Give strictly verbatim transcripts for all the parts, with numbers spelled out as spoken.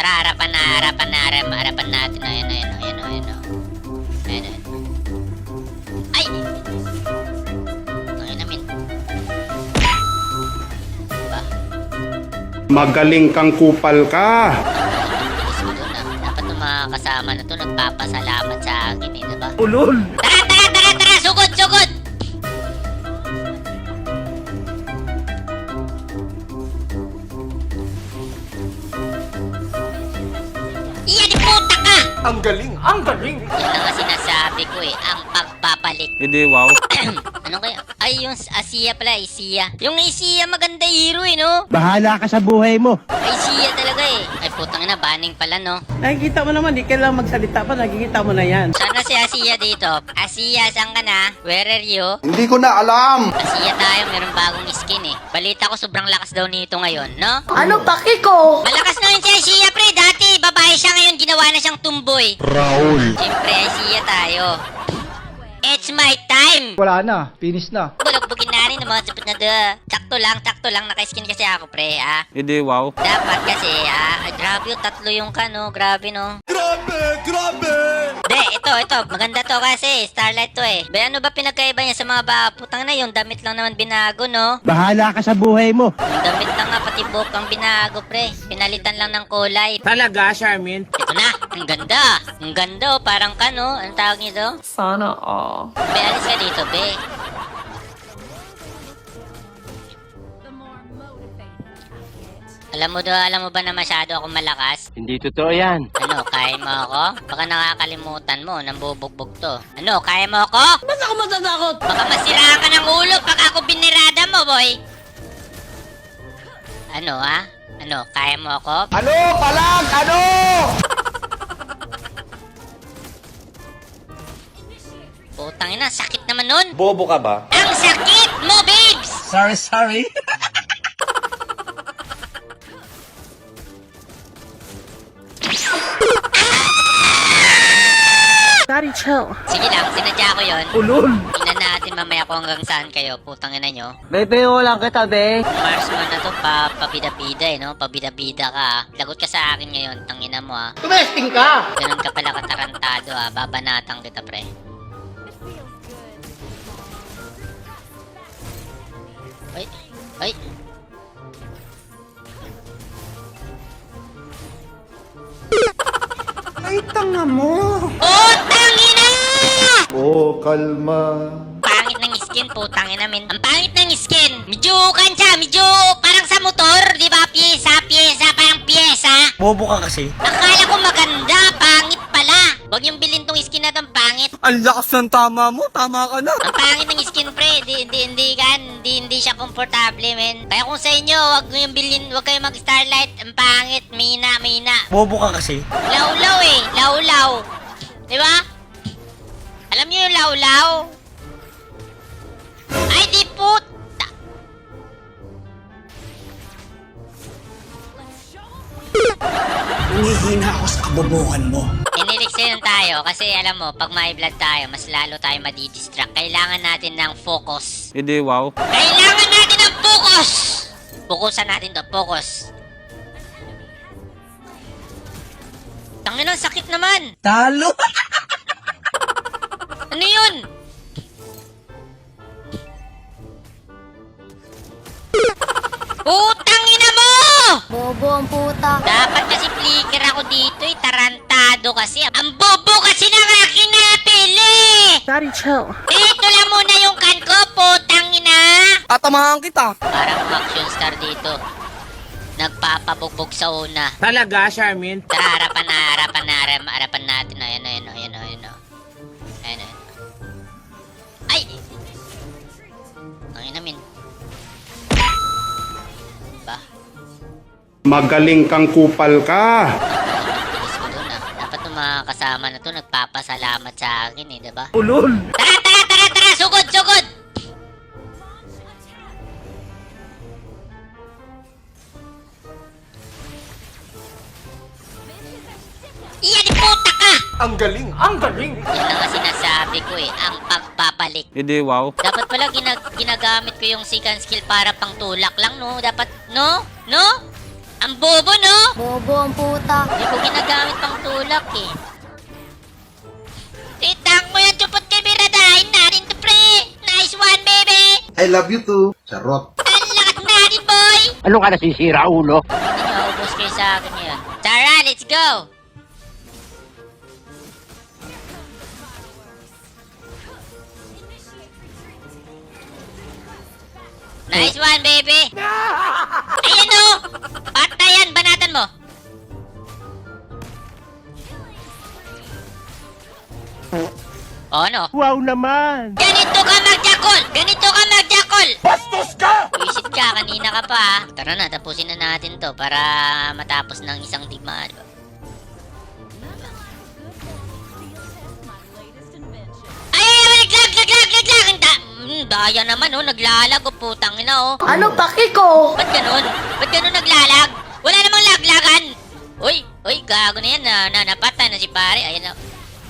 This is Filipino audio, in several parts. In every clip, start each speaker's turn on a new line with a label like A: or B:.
A: Tara, harapan na, harapan na, harapan, harapan natin. Ayan, ayan, ayan, ayan, ayan. Ayan, ayan. Ay! Ayan namin. Diba?
B: Magaling kang kupal ka.
A: Bilis ko dun ah. Dapat yung mga kasama na to nagpapasalamat sa akin eh, diba?
C: Ulol!
A: Tara, tara, tara, tara! Sugod, sugod! Iyan, puta ka!
C: Ang galing! Ang galing!
A: Yan ang nga sinasabi ko eh, ang pagpapalik.
D: Hindi, wow.
A: Ano kaya? Ay, yung Asiya pala, Asiya. Yung Asiya, maganda hero eh, no?
E: Bahala ka sa buhay mo.
A: Asiya talaga eh. Ay, putang ina, banning pala, no?
F: Nakikita mo naman, di kailangan magsalita pa, nakikita mo na yan.
A: Sana si Asiya dito. Asiya, saan ka na? Where are you?
B: Hindi ko na alam.
A: Asiya tayo, meron bagong skin eh. Balita ko sobrang lakas daw nito ngayon, no?
G: Ano paki ko?
A: Malakas na yun si Asiya, pre. Dati, babae siya ngayon, ginawa na siyang tumboy.
B: Raul.
A: Siyempre, Asiya tayo. It's my time!
C: Wala na. Finish na.
A: Bulagbugin na rin ng mga sapot na da. Sakto lang, sakto lang. Naka-skin kasi ako, pre, ah.
D: Hindi, wow.
A: Dapat kasi, ah. Ay, grabe yung tatlo yung kano. Grabe, no?
C: Grabe! Grabe!
A: De, ito, ito. Maganda to kasi. Starlight to eh. Ba, ano ba pinagkaiba niya sa mga ba? Putang na, yung damit lang naman binago, no?
E: Bahala ka sa buhay mo.
A: Yung damit lang nga, pati buhok ang binago, pre. Pinalitan lang ng kulay.
C: Talaga, Charmin?
A: Ito na. Ang ganda. Ang ganda, oh. Parang kano. Anong tawag nito?
G: Sana all.
A: Be, alis ka dito, be. Alam mo do, alam mo ba na masyado akong malakas?
D: Hindi totoo yan.
A: Ano, kaya mo ako? Baka nakakalimutan mo, nambubugbog to. Ano, kaya mo ako?
F: Ba't ako matatakot?
A: Baka masiraan ka ng ulo pag ako binirada mo, boy. Ano, ha? Ano, kaya mo ako?
C: Ano? Palag! Ano?
A: Putang ina, sakit naman nun.
D: Bobo ka ba?
A: Ang sakit mo, babes!
C: Sorry, sorry.
G: Daddy, chill.
A: Sige lang, sinadya ko yon.
C: Ulol!
A: Tingnan natin mamaya kung hanggang saan kayo. Putang ina nyo.
E: Bebe, lang kita, be.
A: Marsman na to, pa, pabida-bida eh, no? Pabida-bida ka, ah. Lagot ka sa akin ngayon, tangina mo, ah.
F: Tumesting ka!
A: Ganun ka pala katarantado, ah. Babanatang kita, pre. Ay, ay.
B: Ay, tanga mo.
A: Oh, tangina!
B: Oh, kalma.
A: Pangit ng skin, putang ina, min. Ang pangit ng skin. Medyo kan siya, medyo parang sa motor, di ba? Pyesa, pyesa, parang pyesa.
C: Bobo ka kasi.
A: Akala ko maganda, pangit pala. Huwag yung bilhin tong skin na tong pangit.
C: Ang lakas ng tama mo. Tama ka na.
A: Ang pangit ng skin, pre. Di, di, hindi kan. Di, hindi siya komportable, men. Kaya kung sa inyo, wag yung bilhin, wag kayo mag-starlight. Ang pangit, mina, mina.
C: Bobo ka kasi.
A: Laulaw eh. Laulaw. Di ba? Alam niyo yung laulaw? Ay, di puta.
C: Humihina ako sa kabobohan mo.
A: Iniliksin tayo kasi alam mo, pag may vlog tayo, mas lalo tayo madidistract. Kailangan natin ng focus.
D: Hindi, wow.
A: Kailangan natin ng focus! Focusan natin to, focus. Tangin ang sakit naman.
C: Talo!
A: Ano yun? Putang ina mo!
G: Bobo ang puta.
A: Dapat kasi flicker ako dito eh. Tarantado kasi. Ang bobo kasi ng aking napili!
G: Daddy, chill.
A: Dito lang muna yung kan ko, putang ina!
C: Tatamahan kita.
A: Parang action star dito. Nagpapabugbog sa una.
C: Talaga, Charmin?
A: Tara, harapan na, harapan na, harapan, harapan natin. Ayan, ayan, ayan, ayan, ayan. Ayan, ayan. Ay! Ang inamin. Ba?
B: Magaling kang kupal ka.
A: Bilis ko dun ah. Dapat yung mga kasama na to nagpapasalamat sa akin eh, diba?
C: Ulol!
A: Tara, tara, tara, tara! Sugod, sugod! Iyan, puta ka!
C: Ang galing! Ang galing!
A: Yan ang nga sinasabi ko eh, ang pagpapalik.
D: Hindi, wow.
A: Dapat pala ginag ginagamit ko yung second skill para pang tulak lang, no? Dapat, no? No? Ang bobo, no?
G: Bobo ang puta.
A: Hindi ko ginagamit pang tulak eh. Titang mo yan, chupot kay Biradahin natin to, pre. Nice one, baby.
B: I love you too. Charot.
A: Ang lakas natin, boy.
E: Ano ka nasisira, ulo?
A: Hindi nyo, ubos kayo sa akin yun. Tara, let's go. Nice one, baby. Ayan o. Patayan, banatan mo. Oh, ano?
E: Wow naman!
A: Ganito ka magjakol! Ganito ka magjakol! Bastos ka! Visit ka, kanina ka pa. ah. Tara na, tapusin na natin to para matapos ng isang digmaan. Diba? Ay, ay, ay, naglag, naglag, naglag! Ang da- mm, daya naman, oh, naglalag, oh, putang ina, oh.
G: Ano paki ko?
A: Ba't ganun? Ba't ganun naglalag? Wala namang laglagan! Uy, uy, gago na yan, na, na napatay na si pare. Ayan na.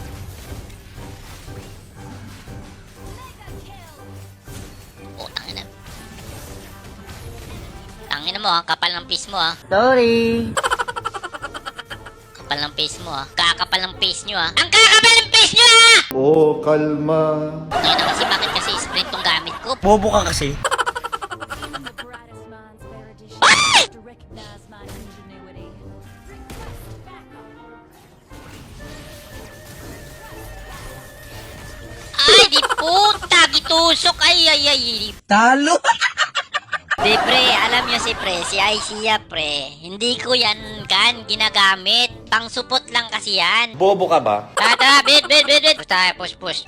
A: Oh, tangina. Tangina mo, ha? Kapal ng face mo, ha?
F: Sorry.
A: Kapal ng face mo, ha? Kakapal ng face nyo, ha? Ang kakapal ng face nyo, ha!
B: Oh, kalma.
A: Ngayon na kasi, bakit kasi sprint tong gamit ko?
C: Bobo ka kasi. Ay, di puta, gitusok. Ay, ay, ay. Talo.
A: Di, pre, alam nyo si pre, si Aisia, pre. Hindi ko yan, kan, ginagamit. Pang supot lang kasi yan.
C: Bobo ka ba?
A: Tata, bit, bit, bit, bit. Push tayo, push, push.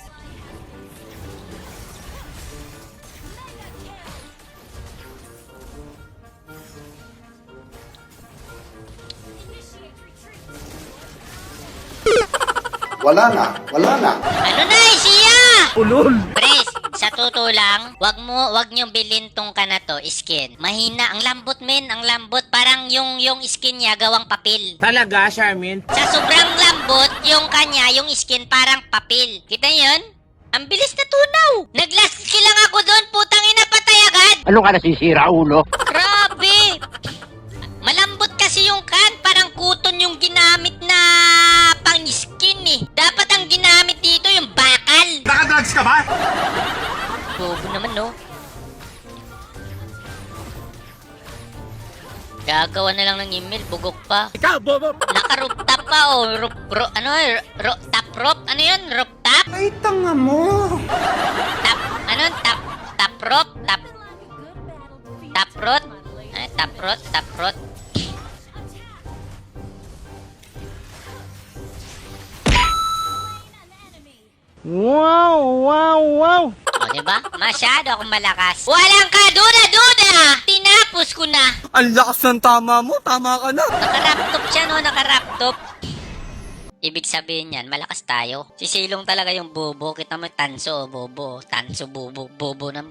B: Wala na. Wala na.
A: Ano na, Aisia?
C: Ulol.
A: Pres, sa totoo lang, wag mo, wag nyo bilhin tong kana to, skin. Mahina, ang lambot men, ang lambot. Parang yung, yung skin niya gawang papel.
C: Talaga, Charmin?
A: Sa sobrang lambot, yung kanya, yung skin parang papel. Kita niyo yun? Ang bilis na tunaw. Nag-last kill lang ako doon, putang ina, patay agad.
E: Ano ka nasisira, ulo?
A: Grabe. Malambot kasi yung kan, parang kuton yung ginamit na pang skin eh. Dapat ang ginamit dito yung bakal.
C: Nakadrugs ka ba?
A: Bobo naman, no? Gagawa na lang ng email, bugok pa.
C: Ikaw, bobo.
A: Naka-rooftop pa, oh. Roof, ro, ano, ro, top roof? Ano yun? Rooftop?
B: Ay, tanga mo.
A: Top, ano? Top, top roof? Top, top roof? Ay, top roof, top roof.
E: Wow, wow, wow!
A: O, diba? Masyado akong malakas. Walang kaduda-duda! Tinapos ko na.
C: Ang lakas ng tama mo. Tama ka na.
A: Nakaraptop siya, no? Nakaraptop. Ibig sabihin yan, malakas tayo. Si Silong talaga yung bobo. Kita mo, tanso, oh, bobo. Tanso, bobo. Bobo ng